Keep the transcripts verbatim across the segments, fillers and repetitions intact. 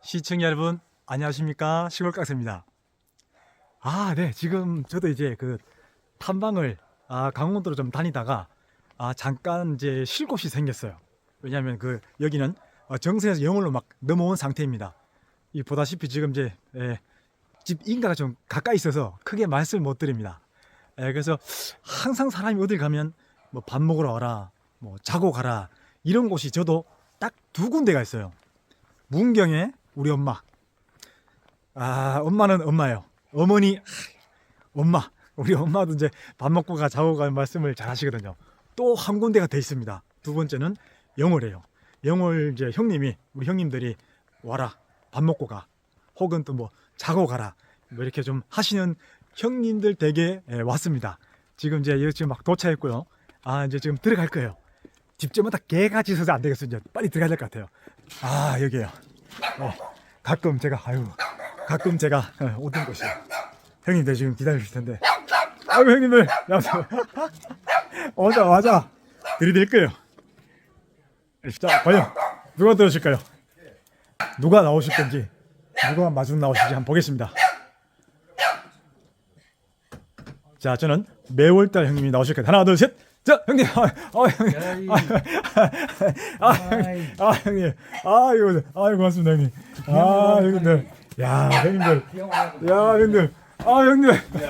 시청자 여러분 안녕하십니까, 시골깍스입니다. 아, 네, 지금 저도 이제 그 탐방을 아, 강원도로 좀 다니다가 아, 잠깐 이제 쉴 곳이 생겼어요. 왜냐하면 그 여기는 어, 정선에서 영월로 막 넘어온 상태입니다. 이 보다시피 지금 이제 예, 집 인가가 좀 가까이 있어서 크게 말씀을 못 드립니다. 예, 그래서 항상 사람이 어딜 가면 뭐 밥 먹으러 와라, 뭐 자고 가라, 이런 곳이 저도 딱 두 군데가 있어요. 문경에 우리 엄마. 아, 엄마는 엄마예요. 어머니, 엄마. 우리 엄마도 이제 밥 먹고 가, 자고 가 말씀을 잘 하시거든요. 또 한 군데가 돼 있습니다. 두 번째는 영월이에요. 영월 이제 형님이, 우리 형님들이 와라, 밥 먹고 가. 혹은 또 뭐 자고 가라. 뭐 이렇게 좀 하시는 형님들 댁에 예, 왔습니다. 지금 이제 여기 지금 막 도착했고요. 아, 이제 지금 들어갈 거예요. 집집마다 개같이 서서 안 되겠어요. 이제 빨리 들어가야 될 것 같아요. 아, 여기에요. 어, 가끔 제가 아유 가끔 제가 어, 오던 곳이에요. 형님들 지금 기다리실 텐데, 아유 형님들 나와서 오자마자 들이댈 거예요. 자, 과연 누가 들어오실까요? 누가 나오실 건지, 누가 마중 나오실지 한번 보겠습니다. 자, 저는 매월달 형님이 나오실 거예요. 하나, 둘, 셋. 자, 형님, 아, 아 형님, 아, 아, 아, 형님, 아, 형님, 아, 이거, 아, 고맙습니다, 형님. 아, 형님들, 야, 형님들, 야, 형님들, 아, 형님,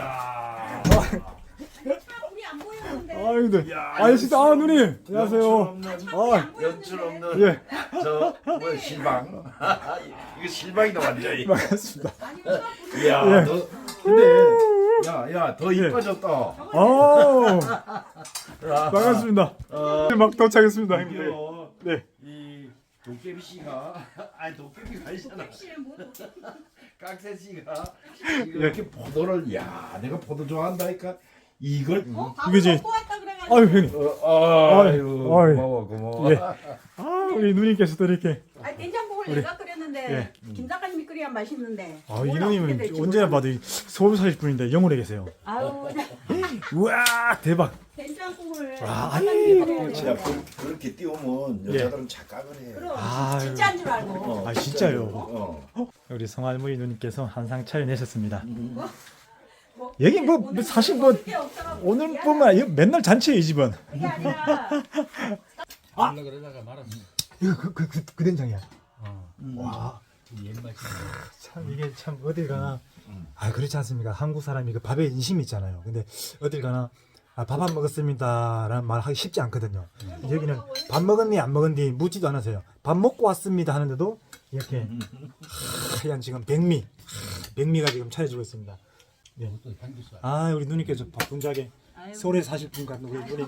우리 안 보였는데. 아, 형님들, 아, 진짜, 아, 누님, 안녕하세요. 아, 연출 없는 예, 저 뭐야 실방. 이거 실방이다 완전히. 반갑습니다. 야, 예. 너 근데 야야 더 예. 이뻐졌다. 아, 반갑습니다. 막 도착했습니다, 형님들. 이거 네, 이 도깨비 씨가 아니 도깨비가 아니잖아. 깍새 씨가 지금 예. 이렇게 포도를 야 내가 포도 좋아한다니까 이걸 어, 이게 이제- 먹고 왔다 그래가지고. 아유, 형님. 어, 아유 아유. 고마워 고마워. 예. 아, 우리 누님께서도 이렇게. 아니, 된장국을 우리- 내가 끓였는데 예. 김 작가님이 끓여야 맛있는데. 아, 이 몰라, 어떻게 누님은 될지 언제나 몰라. 봐도 이 서울 사실 분인데 영월에 계세요. 아유, 우와, 대박. 된장국을 아, 작가님이 아이, 끓여야지. 야 그, 그렇게 띄우면 예. 여자들은 착각을 해. 그럼 아유. 진짜인 줄 알고. 어, 아, 진짜요? 어. 우리 성할머니 누님께서 한상 차려내셨습니다. 뭐, 여기 뭐, 오늘 뭐 사실 뭐 먹을 게 없어가지고 오늘뿐만 아니라 맨날 잔치예요, 이 집은. 그게 아니라 아! 그러다가 말았어. 이거 그, 그, 그, 그 된장이야. 어, 와, 옛맛이. 참 이게 참 어딜 가나, 아, 그렇지 않습니까? 한국 사람이 그 밥에 인심이 있잖아요. 근데 어딜 가나 아, 밥 안 먹었습니다 라는 말 하기 쉽지 않거든요. 여기는 밥 먹었니 안 먹었니 묻지도 않으세요. 밥 먹고 왔습니다 하는데도 이렇게 하얀 지금 백미, 백미가 지금 차려지고 있습니다. 네. 또 향기있어. 아, 우리 누님께서 바쁜자게 아유. 서울에 사실 분 같은 우리 누님.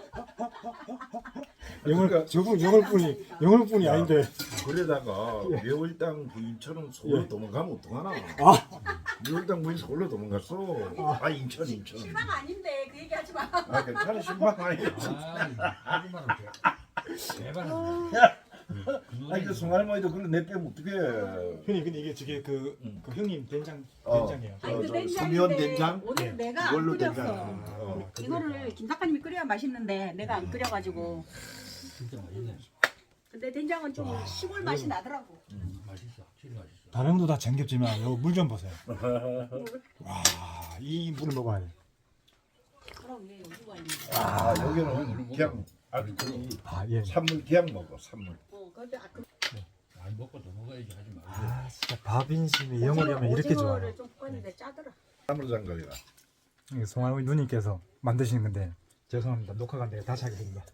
영월, 저분 영월분이 영월분이 아닌데. 그러다가 예. 묘일당 부인처럼 서울로 예. 도망가면 어떡하나? 아, 묘일당 부인 서울로 도망갔어. 아 인천 인천. 실망 아닌데 그 얘기 하지 마. 아 괜찮아 신방 아니야. 아, 하지만 대박. 아니 그 송할머니도 그걸 내빼면 어떡해. 형님, 근데 이게 저게 그, 그 형님 된장 어. 된장이에요. 아니, 그 저 된장인데 수면 된장? 오늘 예. 내가 안 그걸로 끓였어. 된장. 어. 이거를 김 작가님이 끓여야 맛있는데 내가 안 끓여가지고. 진짜 맛있네. 근데 된장은 좀 시골 맛이 나더라고. 맛있어. 확실히 맛있어. 다른 것도 다 정겹지만 요 물 좀 보세요. 와, 이 물을 먹어야 돼. 그럼 왜 여기가 있는 아 여기는 그냥 아주 그 아, 예. 산물 그냥 먹어 산물. 어, 근데 아, 그 많이 먹고 더 먹어야지 하지 말고. 아, 진짜 밥 인심이 영월이 오면 이렇게 좋아요. 오징어를 좀 볶았는데 짜더라. 산물 장갑이라. 이게 송할머니 누님께서 만드시는 건데 죄송합니다. 녹화가 안 돼요. 다시 하겠습니다.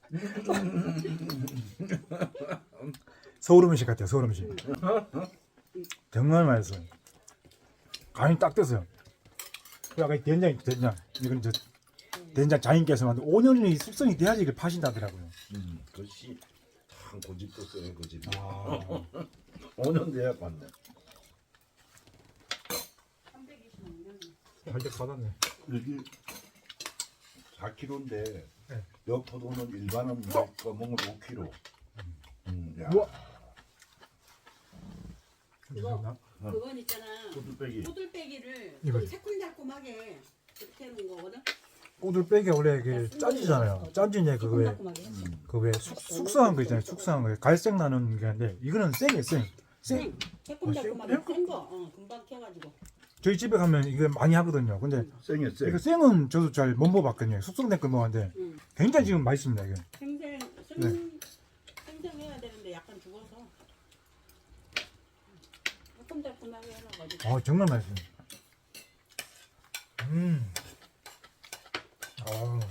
서울 음식 같아요. 서울 음식. 정말 맛있어요. 간이 딱 됐어요. 그 아까 이 된장 있죠, 된장. 이건 저 된장 자인께서 만든 오 년이 숙성이 돼야지 이걸 파신다더라고요. 음 그것이 참 고집도 써요 고집. 아, 오 년 돼야 봤네. 할때 받았네. 여기 사 킬로그램인데 네. 여 포도는 일반은 뭐 검은 건 오 킬로그램. 음, 야. 우와. 이거 그건 있잖아. 소두빼기. 호들빼기를 이거. 좀 새콤달콤하게 그렇게 해놓은 거거든. 오돌빼기 원래 그 짠지잖아요. 짠지냐 그거에 새콤달콤하게. 그 왜 숙성한 거 있잖아요. 숙성한 거 갈색 나는 게 있는데 이거는 생이에요. 생. 생 새콤달콤하게 센거 어, 금방 캐가지고. 저희 집에 가면 이게 많이 하거든요. 근데 생이야 생. 이거 생은 저도 잘 못 먹어봤거든요. 숙성된 걸 먹었는데 응. 굉장히 지금 맛있습니다. 이게. 생생 생 네. 생생해야 되는데 약간 죽어서. 새콤달콤하게 해놔가지고. 아 정말 맛있습니다. 음. 아.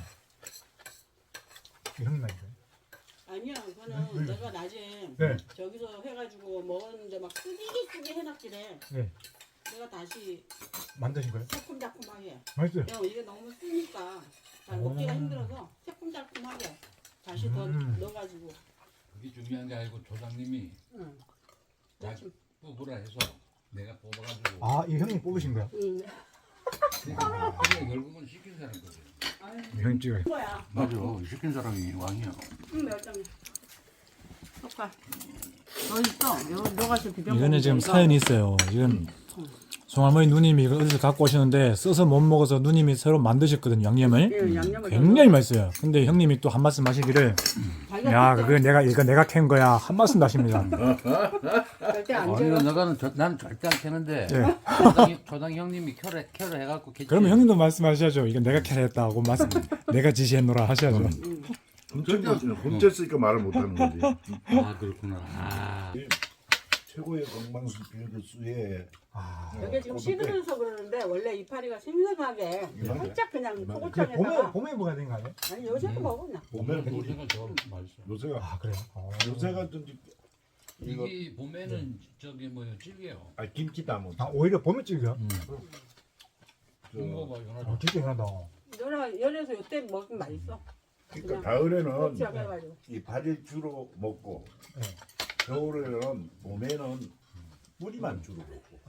이런 맛이죠. 아니야, 그거는 내가 낮에 네. 저기서 해가지고 먹었는데 막 쓰기게 쓰게 해놨길래 네. 내가 다시 만드신 거예요? 새콤달콤하게. 맛있어요. 야, 이게 너무 쓰니까 잘 오. 먹기가 힘들어서 새콤달콤하게 다시 더 음. 넣어가지고. 그게 중요한 게 아니고 조장님이 응. 자기 뽑으라 해서 내가 뽑아가지고. 아, 이 형님 뽑으신 거야? 응. 그러니까 결국은 시킨 사람 거지. 형님 찍어요. 거야. 맞아. 시킨 사람이 왕이야. 응, 멸장에. 속가. 더 있어. 요, 요 가서 비벼. 이거는 지금 사연이 있어요. 이건 송할머니 누님이 이걸 어디서 갖고 오셨는데 써서 못 먹어서 누님이 새로 만드셨거든요. 양념을. 예, 양념을 굉장히 맛있어요. 근데 형님이 또 한 말씀 하시기를 자기가 야, 그때 그거 내가 이거 내가 캔 거야. 한 말씀 하십니다. 절대 안 아니 줘요. 너가는 저, 난 절대 안 캐는데 예. 조당, 조당 형님이 켜를 켜를 해갖고 캐지. 그러면 형님도 말씀하셔야죠. 이거 내가 캐냈다고 말씀. 내가 지시했노라 하셔야죠. 훔쳤거든. 훔쳤으니까 말을 못하는 거지. 아 그렇구나. 아. 최고의 건강수필수에 아, 이게 지금 시들어서 그러는데 원래 이파리가 생생하게 이만해? 살짝 그냥 이게 봄에 소고창에다가 봄에 먹어야 되는 거 아니에요? 아니 요새도 먹어 그냥. 봄에는 뭐 요새가 더 맛있어. 요새가 아, 그래요. 어. 요새가 좀 이거 이게 봄에는 저기 뭐야 찔겨요. 아 김치 담은 아, 오히려 봄에 찍어요. 음. 이거 봐 아, 연하다. 진짜 흔하다. 연하 연해서 요때 먹으면 맛있어. 그러니까 그냥 가을에는 소고창 해가지고. 이 파리 주로 먹고 네. 겨울에는 봄에는 뿌리만 주로 먹고.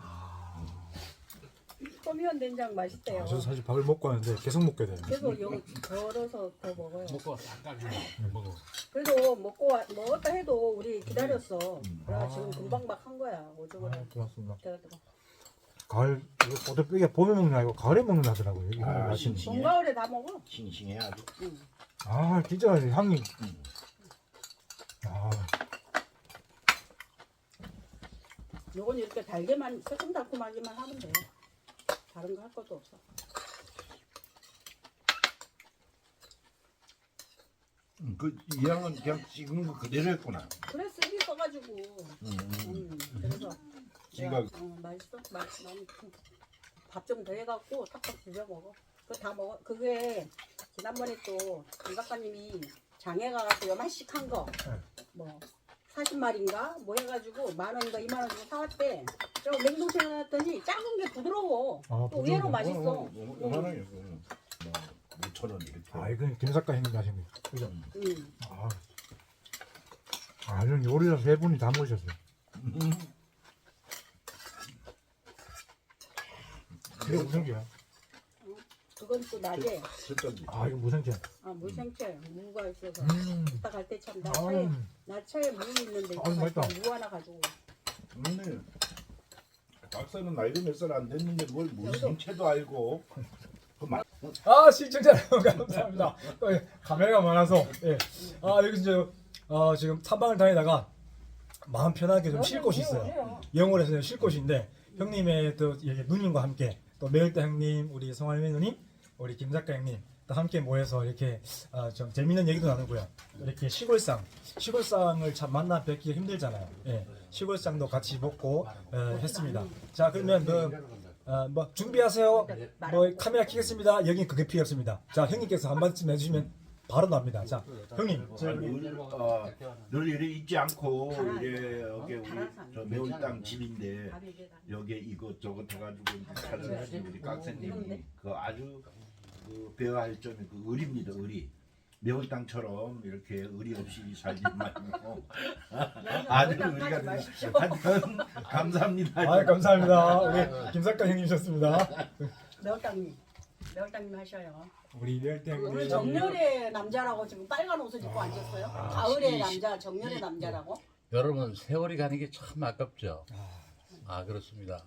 소미연 된장 맛있대요. 아, 저도 사실 밥을 먹고 하는데 계속 먹게 돼요. 그래서 요 덜어서 더 먹어요. 먹고 싹 까지고 먹어. 그래도 먹고 와- 먹었다 해도 우리 기다렸어. 그래 아. 지금 금방 막 한 거야. 오죽을 아, 고맙습니다. 해가지고. 가을 이거 어떻게 이게 봄에 먹는 게 아니고 가을에 먹는 하더라고요. 이게 아, 맛있는. 싱싱해. 봄 가을에 다 먹어. 싱싱해 아주. 응. 아, 진짜 향이. 음. 아, 요건 이렇게 달게만 새콤달콤하기만 하면 돼. 다른 거 할 것도 없어. 음, 그이 양은 그냥 찍은 거 그대로 했구나. 그래 쓰기 써가지고. 음, 음. 음, 그래서 지가 내가, 어, 맛있어. 맛, 밥 좀 더 해갖고 탁탁 비벼 먹어. 그거 다 먹어. 그게 지난번에 또 강 작가님이 장에 가갖고 요만씩 한 거, 뭐 사십 마리인가 뭐 해가지고 만 원인가 이만 원 주고 사왔대. 저 냉동실에 놨더니 작은 게 부드러워. 아, 또 의외로 부드러워. 맛있어. 얼마나요? 뭐 오천 원 이렇게. 아, 이건 김 작가 형님 하신 거. 그죠? 음. 아, 아, 이런 요리를 세 분이 다 모셨어요. 음. 이게 무슨 게야? 그건 또 낮에 진짜 아, 이거 무슨 게? 아, 물생채 무가 있어서 음, 이따 갈 때 참 나 아, 차에 나 차에 무 있는데 아, 이따 맛있다. 갈때 무 하나 가지고. 근데 박사는 나이도 몇 살 안 됐는데 뭘 물생채도 알고 그 말. 아, 시청자 여러분 감사합니다. 또, 예, 카메라가 많아서 예. 아, 여기 이제 어, 지금 탐방을 다니다가 마음 편하게 좀 쉴 곳이 있어요. 영월에서 쉴 곳인데 형님의 또 이렇게 누님과 함께 또 매일대 형님, 우리 송할매 누님, 우리 김 작가 형님 또 함께 모여서 이렇게 어, 좀 재밌는 얘기도 나누고요. 이렇게 시골상, 시골상을 참 만나 뵙기 힘들잖아요. 예. 시골상도 같이 먹고 어, 했습니다. 자, 그러면 뭐, 어, 뭐 준비하세요. 뭐 카메라 켜겠습니다. 여기 그게 필요 없습니다. 자, 형님께서 한 말씀 해주시면 바로 나옵니다. 자, 형님. 저, 늘, 어, 늘 이래 있지 않고 이래 여기 우리 저 매울땅 집인데 여기 이것저것 해가지고 찾아주신 우리 깍새님이 그 아주 그 배워할 점이 그 의리입니다. 의리. 매울땅처럼 이렇게 의리 없이 살지 말고 아주 의리가 되는. 하여튼 감사합니다. 아, 감사합니다. 우리 김 작가 형님이셨습니다. 매울땅님, 매울땅님 하셔요. 우리 매일대 오늘 형님. 정렬의 남자라고 지금 빨간 옷을 입고 앉았어요. 가을의 남자, 정렬의 남자라고. 여러분 세월이 가는 게 참 아깝죠. 아 그렇습니다.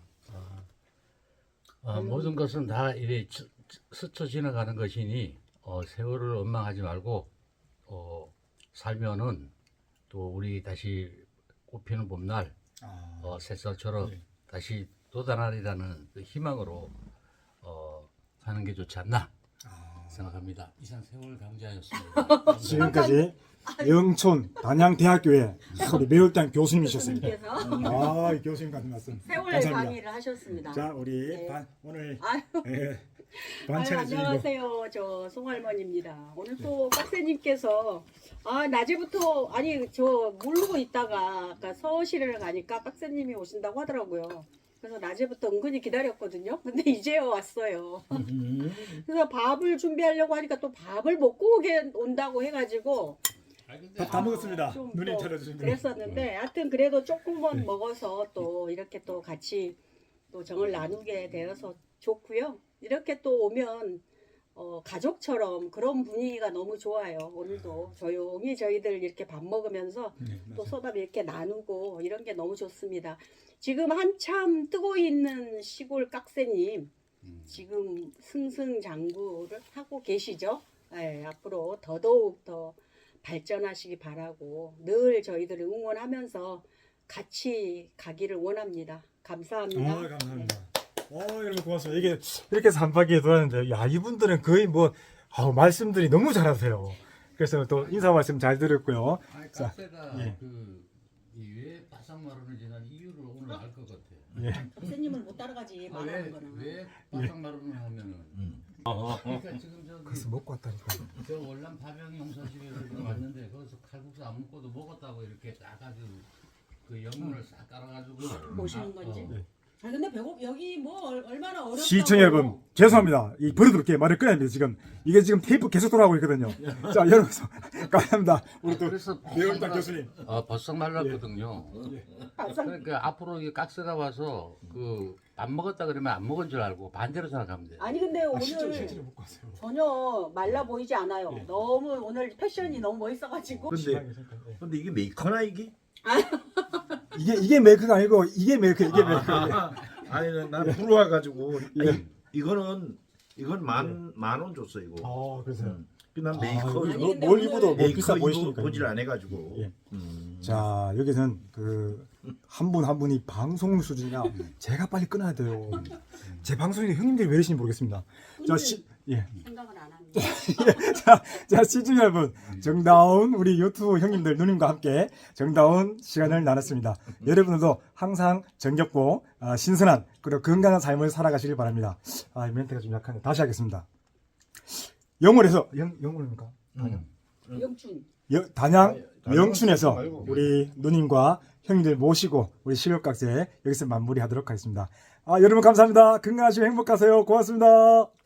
아, 모든 것은 다 이래 치- 치- 스쳐 지나가는 것이니 어, 세월을 원망하지 말고 어, 살면은 또 우리 다시 꽃피는 봄날 아, 어, 새살처럼 네. 다시 돋아나리라는 그 희망으로 어, 사는 게 좋지 않나 아. 생각합니다. 이상 세월 강자였습니다. 지금까지 영촌 단양대학교의 우리 매울당 교수님이셨습니다. 교수님께서 아, 이 교수님 같은 말씀. 세월 감사합니다. 강의를 하셨습니다. 자, 우리 네. 반, 오늘 아유, 예, 아유, 반찬해 주시고 안녕하세요. 저 송할머니입니다. 오늘 또 빡세님께서 아 낮에부터 아니 저 모르고 있다가 아까 서울시를 가니까 빡세님이 오신다고 하더라고요. 그래서 낮에부터 은근히 기다렸거든요. 근데 이제 왔어요. 그래서 밥을 준비하려고 하니까 또 밥을 먹고 오게 온다고 해가지고 아, 근데 다, 다 먹었습니다. 좀 누님 또 차려주신 거. 그랬었는데 하여튼 그래도 조금만 네. 먹어서 또 이렇게 또 같이 또 정을 나누게 되어서 좋고요. 이렇게 또 오면 어, 가족처럼 그런 분위기가 너무 좋아요. 오늘도 조용히 저희들 이렇게 밥 먹으면서 네, 또 맞아요. 소담 이렇게 나누고 이런 게 너무 좋습니다. 지금 한참 뜨고 있는 시골 깍새님 음. 지금 승승장구를 하고 계시죠. 네, 앞으로 더더욱 더 발전하시기 바라고 늘 저희들을 응원하면서 같이 가기를 원합니다. 감사합니다. 아, 감사합니다. 어, 여러분 고맙습니다. 이게 이렇게 해서 한 바퀴 돌았는데, 야, 이분들은 거의 뭐 아우, 말씀들이 너무 잘하세요. 그래서 또 인사 말씀 잘 들었고요. 아니, 자, 카페가 예. 그왜 바삭마루를 지난 이유를 오늘 알 것 같아. 예. 선생님을 못 따라가지 말하는 거는. 왜왜 바삭마루를 하면은 그러니까 지금 저기 그래서 먹고 왔다니까. 저 월남 파병 용사집에 왔는데 거기서 칼국수 안 먹고도 먹었다고 이렇게 딱 아주 그 영문을 싹 깔아가지고 보시는 건지. 어. 아 근데 배고 여기 뭐 얼- 얼마나 어렵다고. 시청자 여러분, 죄송합니다. 이 버릇없게 말을 끊어야 됩니다. 지금 이게 지금 테이프 계속 돌아가고 있거든요. 자, 여러분 감사합니다. 우리 또 그래서 매울당 교수님. 아 바싹 말랐거든요. 바삭- 그러니까 앞으로 이 깍스가 와서 그 안 먹었다 그러면 안 먹은 줄 알고 반대로 생각하면 돼요. 아니 근데 아, 오늘 실제로 실제로 먹고 왔어요. 전혀 말라 보이지 않아요. 예. 너무 오늘 패션이 너무 멋있어가지고. 근데 근데 이게 메이커나 이게? 이게 이게 메이크가 아니고 이게 메이크 이게 메이크. 아니 난 들어와 가지고 예. 이거는 이건 만 만 원 줬어 이거. 아, 그래서요. 난 아, 메이커 이거 아니, 이거 근데 뭘 오늘- 입어도 뭐 메이커 비싸 이거 보이시니까. 보질 안 해가지고. 예. 음. 자, 여기서는 그 한 분 한 분이 방송 수준이나 제가 빨리 끊어야 돼요. 제 방송이 형님들이 왜 이러시는지 모르겠습니다. 자, 시, 예. 생각을 안 합니다. 자, 자, 시청 여러분, 정다운 우리 유튜브 형님들 누님과 함께 정다운 시간을 나눴습니다. 여러분들도 항상 정겹고 아, 신선한 그리고 건강한 삶을 살아가시길 바랍니다. 아, 이 멘트가 좀 약한데 다시 하겠습니다. 영월에서 영 영월입니까? 음. 영춘. 여- 단양 단양 영춘에서 말고. 우리 누님과 형님들 모시고 우리 실력각제 여기서 마무리하도록 하겠습니다. 아, 여러분 감사합니다. 건강하시고 행복하세요. 고맙습니다.